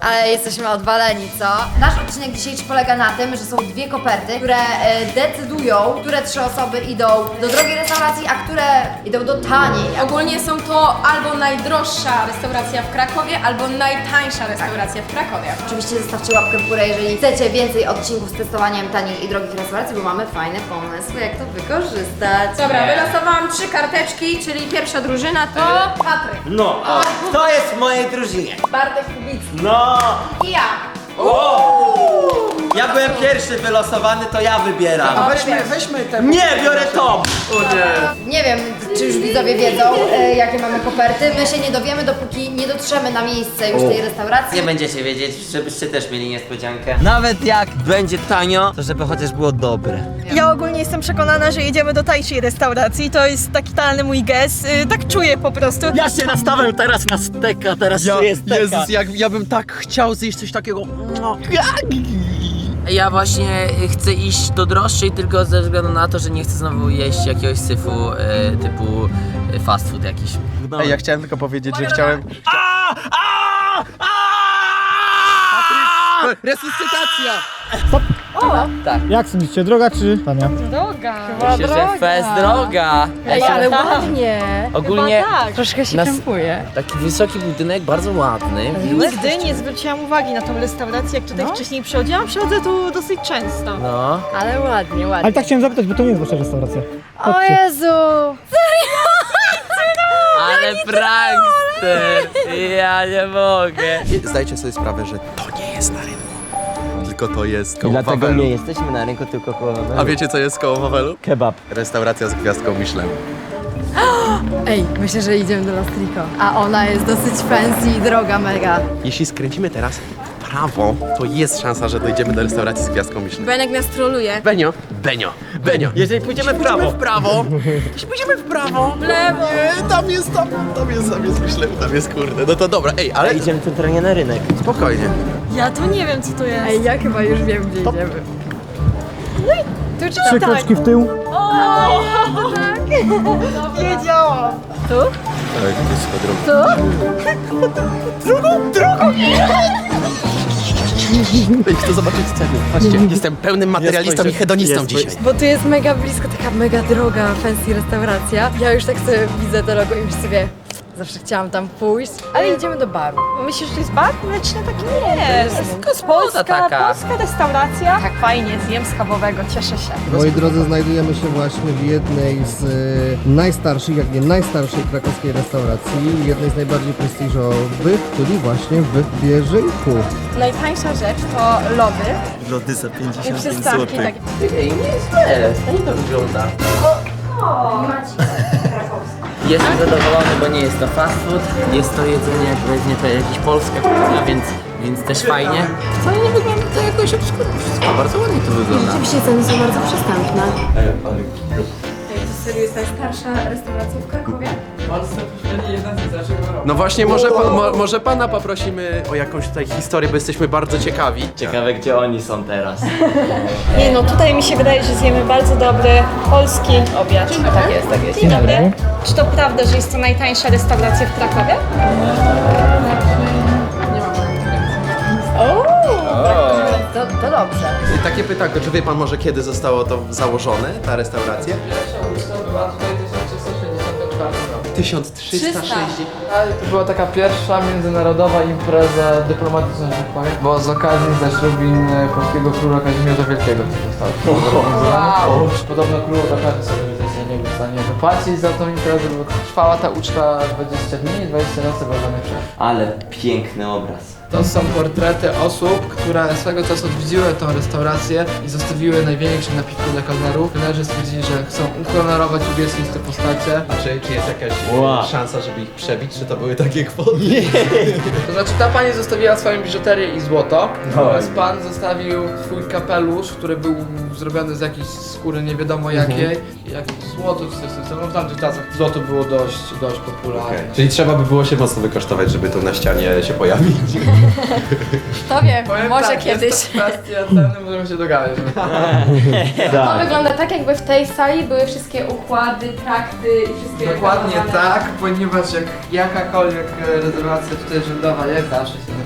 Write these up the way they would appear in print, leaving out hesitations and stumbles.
Ale jesteśmy odwaleni, co? Nasz odcinek dzisiejszy polega na tym, że są dwie koperty, które decydują, które 3 osoby idą do drogiej restauracji, a które idą do taniej. Ogólnie są to albo najdroższa restauracja w Krakowie, albo najtańsza restauracja w Krakowie. Oczywiście zostawcie łapkę w górę, jeżeli chcecie więcej odcinków z testowaniem tanich i drogich restauracji, bo mamy fajne pomysły, jak to wykorzystać. Dobra, wylosowałam 3 karteczki, czyli pierwsza drużyna to Patryk, No, o, to jest w mojej drużynie. Bartek Kubicki No! i ja. Ja byłem pierwszy wylosowany, to ja wybieram. Weźmy te... Nie, biorę Tom! Nie wiem, czy już widzowie wiedzą, jakie mamy koperty. My się nie dowiemy, dopóki nie dotrzemy na miejsce już tej restauracji. Nie będziecie wiedzieć, żebyście też mieli niespodziankę. Nawet jak będzie tanio, to żeby chociaż było dobre. Ja ogólnie jestem przekonana, że jedziemy do tańszej restauracji. To jest taki totalny mój gest. Tak czuję po prostu. Ja się nastawiam teraz na steka, teraz czuję steka. Jezus, ja bym tak chciał zjeść coś takiego. Ja właśnie chcę iść do droższej tylko ze względu na to, że nie chcę znowu jeść jakiegoś syfu typu fast food jakiś. Ej, ja chciałem tylko powiedzieć, że chciałem... Resuscytacja! Jak sądzicie, droga czy tania? Droga. Myślę, że fest droga. Ej, ale ładnie. Ogólnie Troszkę się krępuje. taki wysoki budynek, bardzo ładny. Nigdy nie zwróciłam uwagi na tą restaurację, jak tutaj wcześniej przychodziłam. Przychodzę tu dosyć często. No. Ale ładnie, ładnie. Ale tak chciałem zapytać, bo to nie jest wasza restauracja. O Jezu! Ale prankster! Ja nie mogę. Zdajcie sobie sprawę, że to nie jest na rynku. Tylko to jest koło Dlatego Wawelu. nie jesteśmy na rynku, tylko koło Wawelu. A wiecie co jest koło Wawelu? Kebab. Restauracja z gwiazdką Michelin. Ej, myślę, że idziemy do Lastrico. A ona jest dosyć fancy i droga mega. Jeśli skręcimy teraz w prawo, to jest szansa, że dojdziemy do restauracji z gwiazdką Michelin. Benek nas troluje. Benio. Jeżeli pójdziemy w prawo. Jeśli pójdziemy w prawo. W lewo. Nie, tam jest Michelin, tam jest kurde. No to dobra, ej, ale Idziemy centralnie na rynek. spokojnie. Ja to nie wiem, co to jest. Ej, ja chyba już wiem, gdzie idziemy. Tu czy 3 kroczki w tył. Wiedziałam. Tak, to jest chyba droga. Ej, chcę zobaczyć ceny. Patrzcie, jestem pełnym materialistą i hedonistą dzisiaj. Bo tu jest mega blisko, taka mega droga, fancy restauracja. Ja już tak sobie widzę to logo i już sobie zawsze chciałam tam pójść. Ale idziemy do baru. Myślisz, że to jest bar mleczny? Taki nie jest. Gospoda taka. Polska restauracja. Tak, fajnie, zjem schabowego, cieszę się. Moi drodzy, znajdujemy się właśnie w jednej z najstarszych, jak nie najstarszej krakowskiej restauracji, jednej z najbardziej prestiżowych, czyli właśnie w Bieżyku. Najtańsza rzecz to lody Lody za i 55 przystawki. Tak. Ej, nie jest źle. Fajnie to wygląda. Jestem zadowolony, bo nie jest to fast food. Jest to jedzenie, jak weźmie to jakaś polska kuchnia, więc też fajnie. Wcale nie wygląda to jakoś obskurnie. Wszystko bardzo ładnie to wygląda. Oczywiście ceny są bardzo przystępne. To serio jest najstarsza restauracja w Krakowie? No właśnie, może pana poprosimy o jakąś tutaj historię, bo jesteśmy bardzo ciekawi. Ciekawe, gdzie oni są teraz. Nie no, tutaj mi się wydaje, że zjemy bardzo dobry polski obiad. Tak jest, tak jest. Dzień dobry. Czy to prawda, że jest to najtańsza restauracja w Krakowie? To dobrze. Takie pytanko, czy wie pan może kiedy zostało to założone, ta restauracja? 1360. To była taka pierwsza międzynarodowa impreza dyplomatyczna, że tak powiem, bo z okazji zaślubin polskiego króla Kazimierza Wielkiego to zostało zorganizowane. Podobno król naprawdę sobie nie był w stanie wypłacić za tą imprezę, bo trwała ta uczta 20 dni i 20 nocy wolnych przerw. Ale piękny obraz. To są portrety osób, które swego czasu odwiedziły tą restaurację i zostawiły największe napiwki dla kelnerów. Kelnerzy stwierdzili, że chcą uhonorować uwiecznić te postacie. A czy jest jakaś Wow. szansa, żeby ich przebić, czy to były takie kwoty? To znaczy ta pani zostawiła swoją biżuterię i złoto, natomiast pan zostawił swój kapelusz, który był zrobiony z jakiejś skóry nie wiadomo jakiej i jakieś złoto czy coś w tym stylu. No w tamtych czasach złoto było dość popularne. Czyli trzeba by było się mocno wykosztować, żeby tu na ścianie się pojawić. Kto wie, Powiem może tak, kiedyś. Jest to kwestia ceny, możemy się dogadać. To wygląda tak, jakby w tej sali były wszystkie układy, trakty i wszystkie... Dokładnie tak, ponieważ jak jakakolwiek rezerwacja tutaj rzędowa jest, zawsze się w tej sali.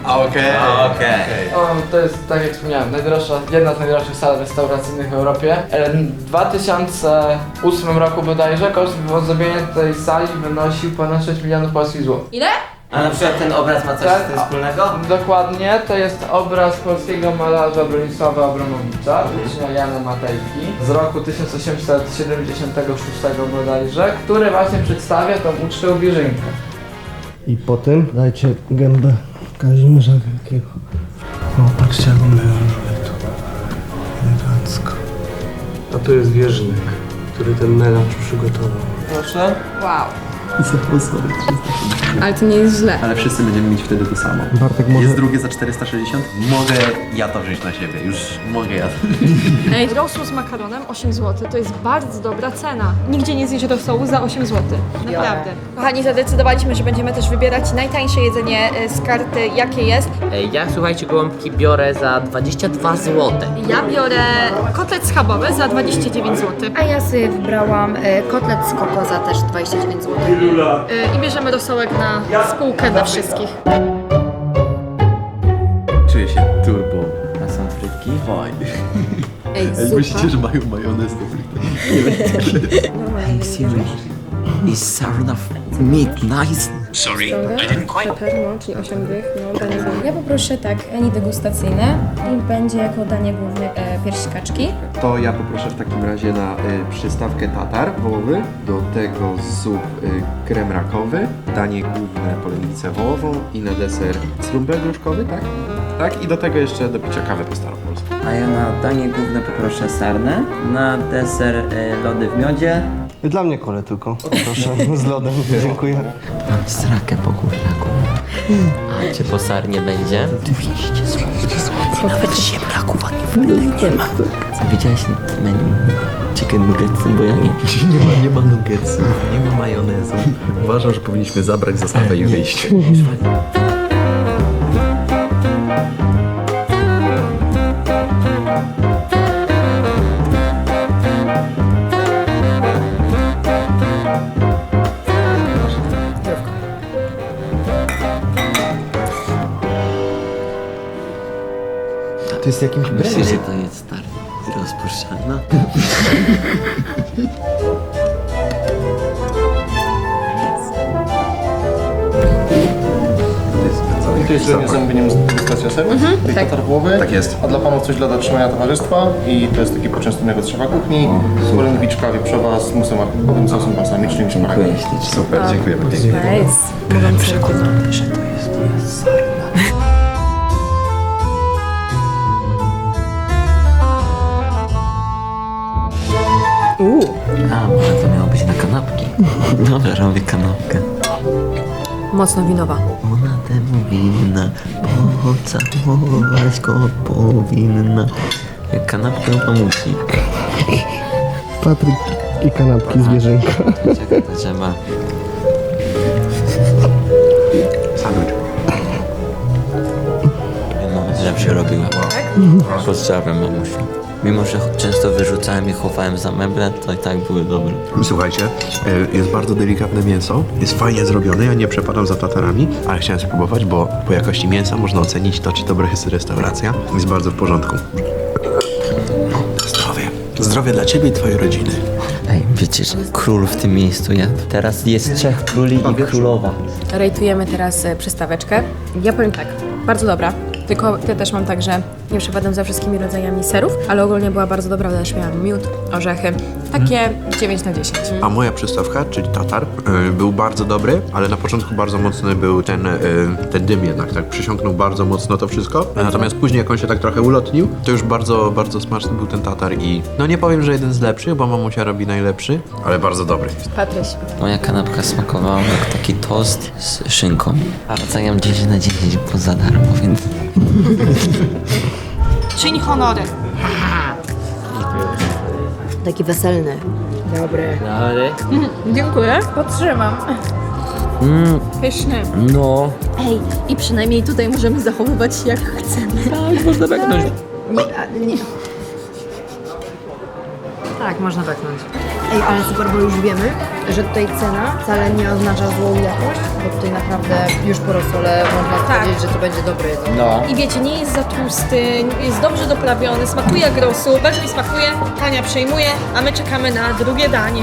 Okej. To jest, tak jak wspomniałem, jedna z najdroższych sal restauracyjnych w Europie. W 2008 roku bodajże koszt zrobienia tej sali wynosił ponad 6 milionów polskich złotych. Ile? A na przykład ten obraz ma coś z tym wspólnego? Dokładnie, to jest obraz polskiego malarza Bronisława Abramowicza, ucznia Jana Matejki z roku 1876 bodajże, który właśnie przedstawia tą ucztę Wierzynkę. I potem dajcie gębę Kazimierza Wielkiego. O, patrzcie jak on melanżuje tu. Elegancko. A to jest wierzchnik, który ten melanż przygotował. Proszę. Wow. Zaproszony. Ale to nie jest źle. Ale wszyscy będziemy mieć wtedy to samo. Bartek może... Jest drugie za 460? Mogę ja to wziąć na siebie, już mogę ja to. Rosół z makaronem 8 zł to jest bardzo dobra cena. Nigdzie nie zjesz rosołu za 8 zł. Naprawdę. Kochani, zadecydowaliśmy, że będziemy też wybierać najtańsze jedzenie z karty, jakie jest. Ja, słuchajcie, gołąbki biorę za 22 zł. Ja biorę kotlet schabowy za 29 zł. A ja sobie wybrałam kotlet z koko za też 29 zł. I bierzemy rosołek na spółkę dla wszystkich. Czuję się turbo. A są frytki? Fajnie. Ej, Jak myślicie, że mają majonez do frytek? Is sarna meat nice? Czyli 8 dych, no danie Ja poproszę tak, eni degustacyjne i będzie jako danie główne pierś kaczki. To ja poproszę w takim razie na przystawkę tatar wołowy, do tego zup krem rakowy, danie główne polenicę wołową i na deser strumbel gruszkowy, tak? Tak, i do tego jeszcze do picia kawę po staropolsku. A ja na danie główne poproszę sarnę, na deser lody w miodzie. Dla mnie kole tylko, proszę, z lodem, dziękuję. Mam srakę po kurlaku. A czy po sarnie będzie? 200 zł. Nawet ziemniaków nie ma. Widziałeś menu chicken nuggetsy, bo ja nie. Nie ma nuggetsów, nie ma majonezu. Uważam, że powinniśmy zabrać zastawę i wyjść. To jest jakimś Myślisz, że to jest stary rozpuszczalna? To jest z zamówieniem z degustacją serów, tej tatar wołowy. Tak jest. A dla panów coś dla dotrzymania towarzystwa i to jest taki poczęstunek od szefa kuchni. Polędwiczka wieprzowa z musem arkowym, sosem balsamicznym i szparagiem. Super, dziękujemy. Przekonany, że to jest sarna. A, może to miało być na kanapki. Dobra, robię kanapkę. Mocno winowa. Ona temu winna, pocałować go powinna. Jak kanapkę musi. Patryk i kanapki zwierzęka. Czekaj, to trzeba. Sandwich. Mama lepsze robiła. Pozdrawiam mamusiu. Mimo, że często wyrzucałem i chowałem za meble, to i tak były dobre. Słuchajcie, jest bardzo delikatne mięso, jest fajnie zrobione, ja nie przepadam za tatarami, ale chciałem spróbować, bo po jakości mięsa można ocenić to, czy dobra jest restauracja. Jest bardzo w porządku. Zdrowie. Zdrowie dla ciebie i twojej rodziny. Ej, wiecie, że król w tym miejscu jadł. Teraz jest 3 króli i królowa. Rejtujemy teraz przystaweczkę. Ja powiem tak, bardzo dobra. Tylko ja też mam tak, że nie przepadam za wszystkimi rodzajami serów, ale ogólnie była bardzo dobra, też miałam miód, orzechy. Takie 9 na 10. A moja przystawka, czyli tatar, był bardzo dobry, ale na początku bardzo mocny był ten dym jednak, tak przysiągnął bardzo mocno to wszystko. Natomiast później jak on się tak trochę ulotnił, to już bardzo, bardzo smaczny był ten tatar i no nie powiem, że jeden z lepszych, bo mamusia robi najlepszy, ale bardzo dobry. Patryś. Moja kanapka smakowała jak taki tost z szynką. A oceniam 10 na 10, bo za darmo, więc... Czyń honory. Taki weselny. Dobry. Dobry. Dziękuję. Podtrzymam. Pyszny. No. Ej, i przynajmniej tutaj możemy zachowywać się jak chcemy. Tak, można beknąć. Nie. Tak, można beknąć. Ej, ale super, bo już wiemy, że tutaj cena wcale nie oznacza złą jakość, bo tutaj naprawdę już po rosole można powiedzieć, że to będzie dobre jedzenie. No. I wiecie, nie jest za tłusty, jest dobrze doprawiony, smakuje jak rosół, bardzo mi smakuje, Tania przejmuje, a my czekamy na drugie danie.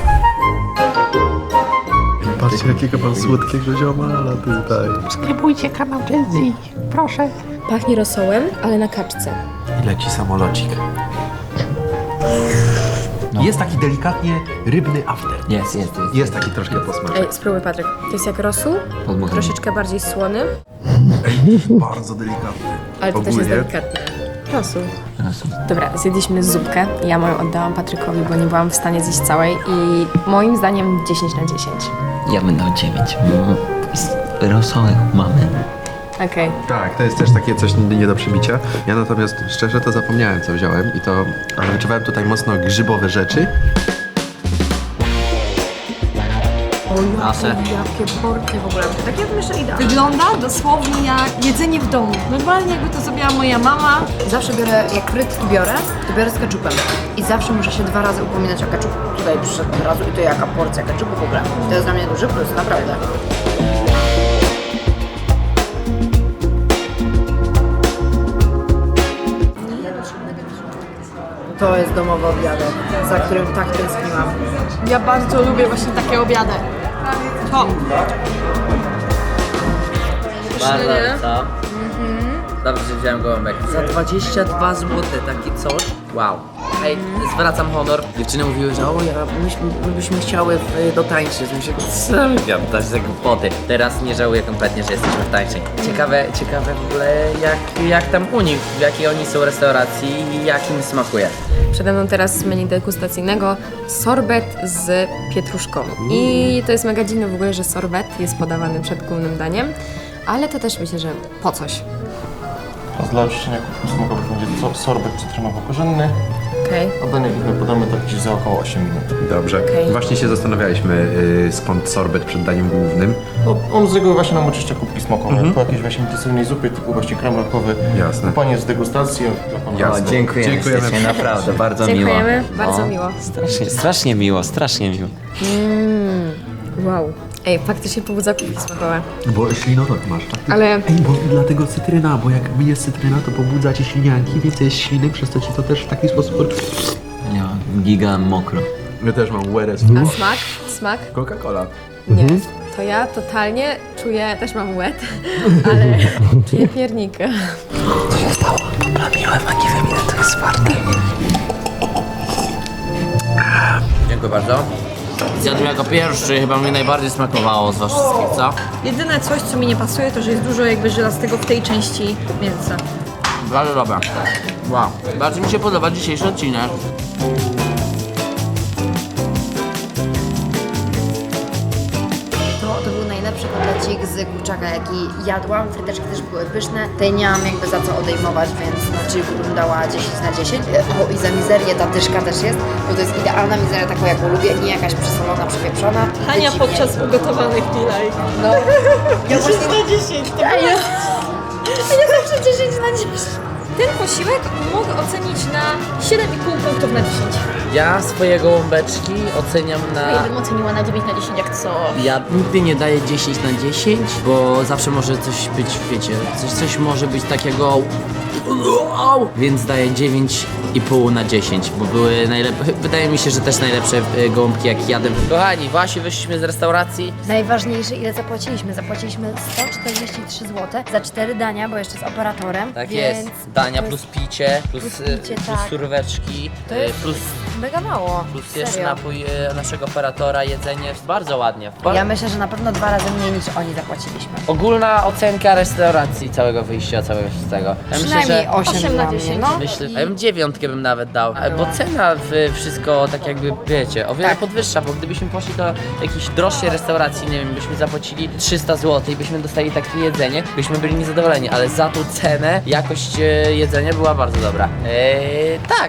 Patrzcie, jakiego mam słodkiego ziomala tutaj. Subskrybujcie kanał Gen Z, proszę. Pachnie rosołem, ale na kaczce. I leci samolocik. Jest taki delikatnie rybny after. Jest. Jest taki troszkę posmaczek. Ej, spróbuj Patryk. To jest jak rosół, Podmucham. troszeczkę bardziej słony, Bardzo delikatny. ale to też jest Ogólnie. delikatny. Rosół. Dobra, zjedliśmy zupkę. Ja moją oddałam Patrykowi, bo nie byłam w stanie zjeść całej i moim zdaniem 10 na 10. Ja bym dał 9, bo rosołek mamy. Okej. Tak, to jest też takie coś nie do przebicia. Ja natomiast szczerze to zapomniałem, co wziąłem i to wyczuwałem tutaj mocno grzybowe rzeczy. Nasze. Jakie porcje w ogóle. Tak ja bym jeszcze idealnie. Wygląda dosłownie jak jedzenie w domu. Normalnie jakby to zrobiła moja mama. Zawsze biorę, jak frytki biorę, to biorę z keczupem. I zawsze muszę się 2 razy upominać o keczup. Tutaj przyszedł od razu i to jaka porcja keczupu w ogóle. To jest dla mnie duży plus, naprawdę. To jest domowy obiadek, za którym tak tęskniłam. Ja bardzo lubię właśnie takie obiady. To. Bardzo, co? Dobrze, że wziąłem gołąbek. Za 22 zł taki coś? Wow. Ej, zwracam honor. Dziewczyny mówiły, że o, my byśmy chciały dotańczyć. Myślę, co gadasz za głupoty. Teraz nie żałuję kompletnie, że jesteśmy w tańszej. Ciekawe w ogóle jak tam u nich, w jakiej oni są restauracji i jak im smakuje. Przede mną teraz z menu degustacyjnego sorbet z pietruszką. I to jest mega dziwne w ogóle, że sorbet jest podawany przed głównym daniem, ale to też myślę, że po coś. A dla oczyszczenia kubków smakowych będzie sorbet cytrynowo-korzenny. Okej. A danie główne podamy tak gdzieś za około 8 minut. Dobrze. Okej. Właśnie się zastanawialiśmy, skąd sorbet przed daniem głównym. No, on z reguły właśnie nam oczyszcza kubki smakowe. Po jakiejś właśnie intensywnej zupie typu właśnie krem rakowy. Jasne. Panie z degustacji. Jasne. Dziękujemy. Dziękujemy. Naprawdę, bardzo miło. Dziękujemy, bardzo O, miło. Strasznie miło, strasznie miło. Wow. Ej, faktycznie pobudza kubki smakowe. Bo ślinotok masz, tak? Ale Ej, bo dlatego cytryna, bo jak jest cytryna, to pobudza ci ślinianki, więcej jest śliny, przez to ci to też w taki sposób... Ja giga mokro. Ja też mam łeres. a smak? Smak? Coca-Cola. Nie. To ja totalnie czuję, też mam łeb, ale czuję piernika. Plamiłem, a nie wiem ile to jest warte. Dziękuję bardzo. Zjadłem jako pierwszy, chyba mi najbardziej smakowało z was wszystkich, co? Jedyne coś, co mi nie pasuje, to że jest dużo jakby żelastego w tej części mięsa. Bardzo dobra. Wow. Bardzo mi się podoba dzisiejszy odcinek. To był najlepszy kotlecik z kurczaka, jaki jadłam. Fryteczki też były pyszne. Tej nie mam jakby za co odejmować, więc na chillku bym dała 10 na 10. O, i za mizerię ta dyszka też jest, bo to jest idealna mizeria, taką jaką lubię, nie jakaś przesolona, przepieprzona. Hania Wyciwnie. podczas ugotowanych filaj. No. Ja właśnie... na 10. To Ja zawsze 10 na 10. Ten posiłek mogę ocenić na 7,5 punktów na 10. Ja swoje gołąbeczki oceniam Ja na... bym oceniła na 9 na 10 jak co. Ja nigdy nie daję 10 na 10, bo zawsze może coś być, wiecie, coś może być takiego... Więc daję 9,5 na 10, bo były najlepsze, wydaje mi się, że też najlepsze gołąbki jak jadłem. Kochani, właśnie wyszliśmy z restauracji. Najważniejsze, ile zapłaciliśmy? Zapłaciliśmy 143 zł za 4 dania, bo jeszcze z operatorem. Tak więc jest, dania to plus jest picie, plus picie, tak. suróweczki, To jest plus mega mało. jeszcze Serio. napój naszego operatora, jedzenie, bardzo ładnie. Ja myślę, że na pewno 2 razy mniej niż oni zapłaciliśmy. Ogólna ocenka restauracji, całego wyjścia, całego wszystkiego. Ja myślę, Przynajmniej że 8 8 na dla mnie, 10. no. Myślę, a ja bym 9 bym nawet dał, bo cena w wszystko tak jakby, wiecie, o wiele Tak. podwyższa, bo gdybyśmy poszli do jakiejś droższej restauracji, nie wiem, byśmy zapłacili 300 zł i byśmy dostali takie jedzenie, byśmy byli niezadowoleni, ale za tą cenę jakość jedzenia była bardzo dobra. Tak.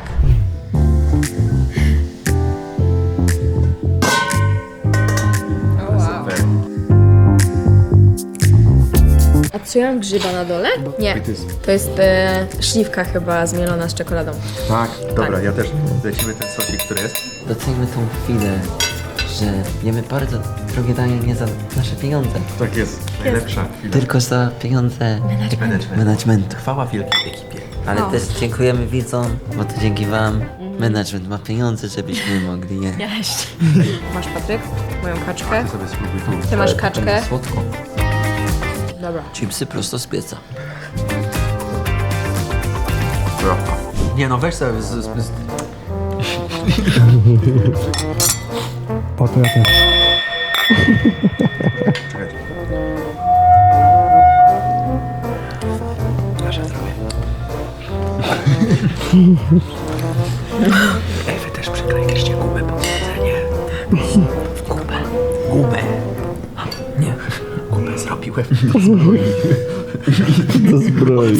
A co ja mam grzyba na dole? Nie, to jest śliwka chyba zmielona z czekoladą. Tak, dobra, Tak. ja też lecimy ten sosik, który jest. Doceńmy tą chwilę, że jemy bardzo drogie danie nie za nasze pieniądze. Tak jest, najlepsza chwila. Tylko za pieniądze managementu. Chwała wielkiej ekipie. Ale też dziękujemy widzom, bo to dzięki wam management ma pieniądze, żebyśmy mogli je. Masz, Patryk, moją kaczkę. Ty sobie spróbuj tu. Ty masz kaczkę. Słodko. Dobra. Chipsy prosto z pieca. Nie no, weź sobie Po to ja też. Czekajcie. Ej, wy też przykleiliście gumę pod jedzenie. Gumę. Nie, gumę zrobiłem do zbroi. Do zbroi.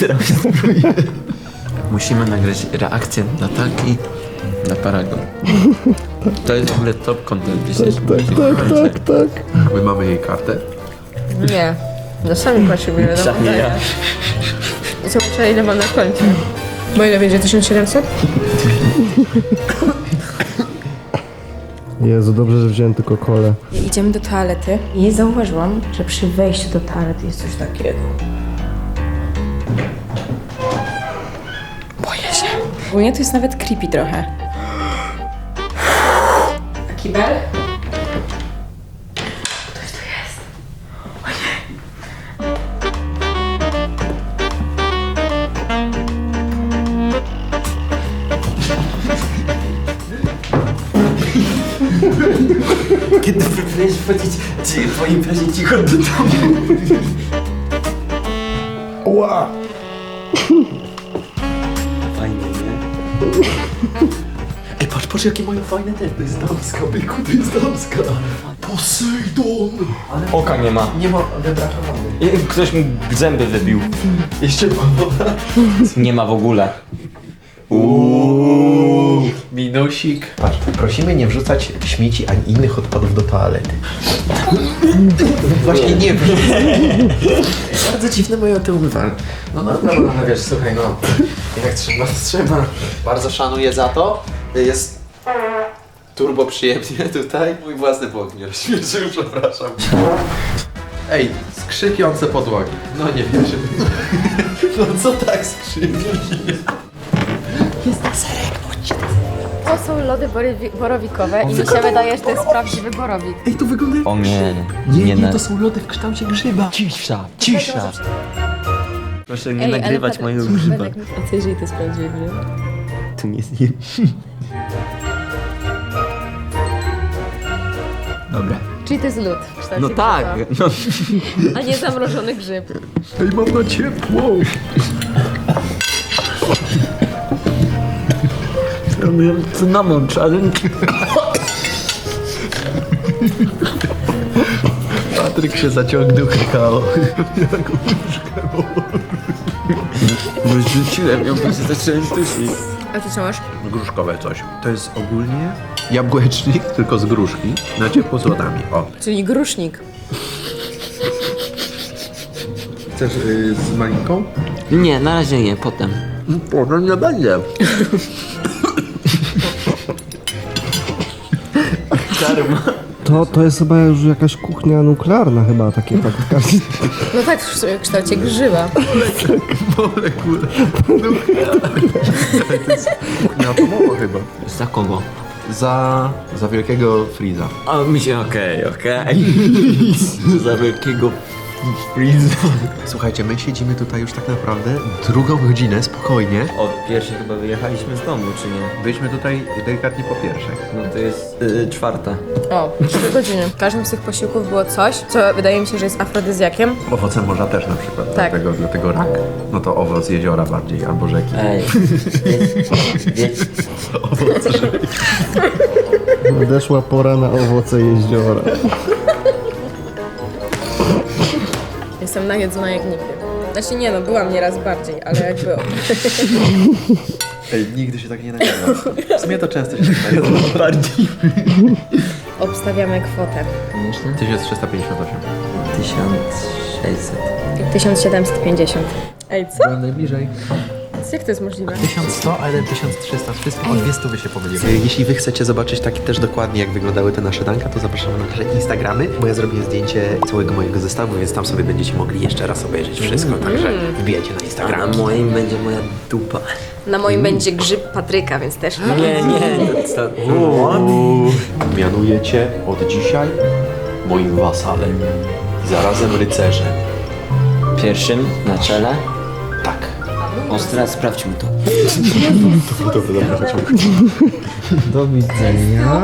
Musimy nagrać reakcję Natalki na Paragon. To jest w ogóle top content dzisiejszy. Tak. My mamy jej kartę. Nie, no sami płacimy, wiadomo. Sami ja. I co muszę, ile mam na końcu? Bo ile będzie? 1700? Jezu, dobrze, że wziąłem tylko kolę. Idziemy do toalety i zauważyłam, że przy wejściu do toalety jest coś takiego. Boję się. Ogólnie to jest nawet creepy trochę. A kibel? Ktoś tu jest. O nie. Kiedy próbujesz wchodzić po imprezie cicho do domu. Ła! Fajnie, nie? Ej, patrz jakie mają fajne te. To jest damska, byku, to jest damska. Posejdon! Oka nie ma. Nie ma wybrakowanej. Ktoś mu zęby wybił. Jeszcze ma woda. Nie ma w ogóle. Minusik. Patrz, prosimy nie wrzucać śmieci ani innych odpadów do toalety. Właśnie nie wrzucaj. Bardzo dziwne moje te umywalne. No, wiesz, słuchaj, no. Jak trzeba. Bardzo szanuję za to. Jest turbo przyjemnie tutaj. Mój własny błąd mnie rozśmieszył, przepraszam. Ej, skrzypiące podłogi. No nie wierzę. No co tak skrzypi? To są lody borowikowe i mi się wydaje, że to jest prawdziwy borowik. Ej, to wygląda... O nie. Nie, to są lody w kształcie grzyba. Cisza. Proszę nie nagrywać mojego grzyba. A co jeżeli to jest prawdziwy grzyb? Tu nie zjem. Dobra. Czyli to jest lód w kształcie No tak. grzyba, No. a nie zamrożony grzyb. Ej, mam na ciepło. Ja miałem cynamon, ale... Patryk się zaciągnął kakao. Bo rzuciłem ją, bo się zacząłem dusić. A ty co masz? Gruszkowe coś. To jest ogólnie jabłecznik, tylko z gruszki, na ciepło z lodami. O. Czyli grusznik. Chcesz z malinką? Nie, na razie nie, potem. Potem nie będzie. Karma. To jest chyba już jakaś kuchnia nuklearna chyba, takie tak. No tak, w kształcie grzyba. Molekule. Kuchnia atomowa chyba. Za kogo? Za wielkiego Freeza. A mi się okej. Za wielkiego Freeza. Słuchajcie, my siedzimy tutaj już tak naprawdę drugą godzinę, spokojnie. Od pierwszej chyba wyjechaliśmy z domu, czy nie? Byliśmy tutaj delikatnie po pierwszej. No to jest czwarta. O, 3 godziny. W każdym z tych posiłków było coś, co wydaje mi się, że jest afrodyzjakiem. Owoce morza też na przykład, Tak. dlatego rak. No to owoc jeziora bardziej, albo rzeki. Ej, Nadeszła pora na owoce jeziora. Jestem najedzona jak nigdy. Znaczy nie no, byłam nieraz bardziej, ale jakby... Ej, nigdy się tak nie nagrywa. W sumie to często się tak nagrywa. bardziej. Obstawiamy kwotę. 1358. 1600. 600. 1750. Ej, co? Byłem najbliżej. Jak to jest możliwe? 1100, a 1300. Wszystko o 200 się pomyliły. Jeśli wy chcecie zobaczyć tak też dokładnie, jak wyglądały te nasze danka, to zapraszamy na nasze Instagramy, bo ja zrobiłem zdjęcie całego mojego zestawu, więc tam sobie będziecie mogli jeszcze raz obejrzeć wszystko, także wbijajcie na A Instagram. na moim będzie moja dupa. Na moim będzie grzyb Patryka, więc też... Nie, co? Mianuję cię od dzisiaj moim wasalem, zarazem rycerzem. Pierwszym na czele. Tak. Ostra, sprawdźmy to. Dobra, Do widzenia.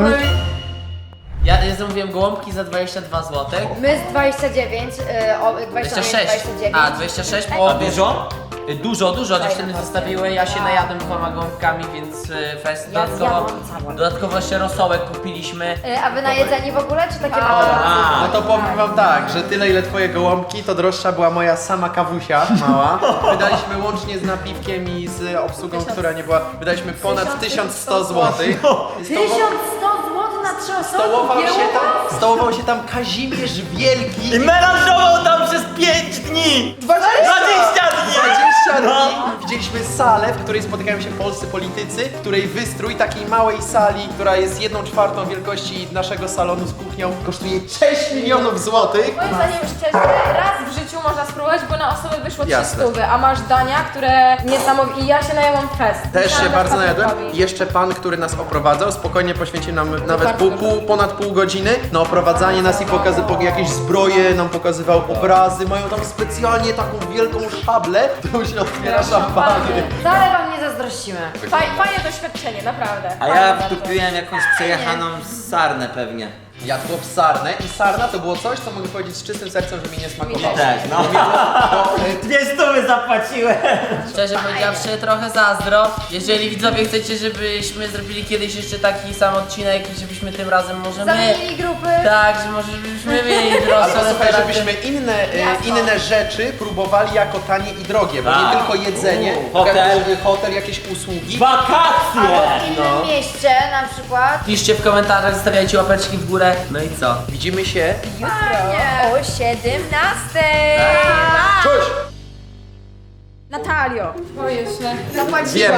Ja zamówiłem gołąbki za 22 zł. My z 29, 26. 29. A, 26, bo dużo? Dużo, dziewczyny zostawiły, ja się najadłem 2 gołąbkami, więc fest. Ja zjadłam całe. Dodatkowo jeszcze rosołek kupiliśmy. A wy najedzeni w ogóle, czy takie No to powiem wam tak, że tyle ile twoje gołąbki, to droższa była moja sama kawusia mała. Wydaliśmy łącznie z napiwkiem i z obsługą, która nie była, wydaliśmy ponad 1100 zł. 1100 zł na 3 osoby? Stołował się tam Kazimierz Wielki. I melanżował tam przez 5 dni! 20 dni! 20 dni! Widzieliśmy salę, w której spotykają się polscy politycy, w której wystrój takiej małej sali, która jest 1/4 wielkości naszego salonu z kuchnią, kosztuje 6 milionów złotych. Moim zdaniem szczerze, raz w życiu można spróbować, bo na osobę wyszło Jasne. 300, a masz dania, które niesamowite. I ja się najęłam fest. Też się Myślałam, bardzo że najadłem. Patrykowi. I jeszcze pan, który nas oprowadzał, spokojnie poświęcił nam nawet ponad pół godziny na oprowadzanie nas i pokazywał jakieś zbroje, nam pokazywał obrazy. Mają tam specjalnie taką wielką szablę, którą się otwiera szampany. Wcale wam nie zazdrościmy. Fajne doświadczenie, naprawdę. A Fajne ja bardzo. wtupiłem jakąś przejechaną sarnę pewnie. Jadło w sarnę i sarna to było coś, co mogę powiedzieć z czystym sercem, że mi nie smakowało. Tak, no. 200 zapłaciłem. Szczerze powiedziawszy, trochę zazdro. Jeżeli widzowie chcecie, żebyśmy zrobili kiedyś jeszcze taki sam odcinek i żebyśmy tym razem może my... Zamienili grupy. Tak, że może byśmy mieli droższe Albo słuchaj, restauracje. żebyśmy inne rzeczy próbowali jako tanie i drogie, bo nie Tak. tylko jedzenie, hotel, jakieś usługi. Wakacje! W innym mieście na przykład. Piszcie w komentarzach, zostawiajcie łapeczki w górę. No i co? Widzimy się. O 17. Cześć! Natalio. Boję się. Wiemy.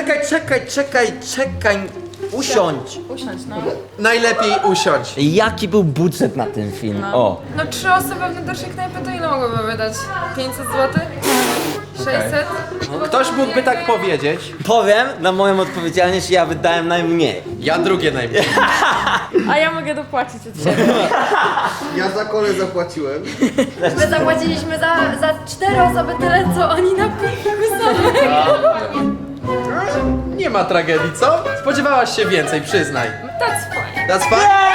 Czekaj. Usiądź. Usiądź, no. Najlepiej usiądź. Jaki był budżet na ten film? O. No 3 osoby w naszej knajpy to ile mogłyby wydać? 500 zł? 600? Ktoś mógłby tak powiedzieć. Powiem na moją odpowiedzialność, ja wydałem najmniej. Ja drugie najmniej. A ja mogę dopłacić od siebie. Ja za kole zapłaciłem. My zapłaciliśmy za 4 osoby tyle, co oni na piwku same. Nie ma tragedii, co? Spodziewałaś się więcej, przyznaj. That's fine. That's fine.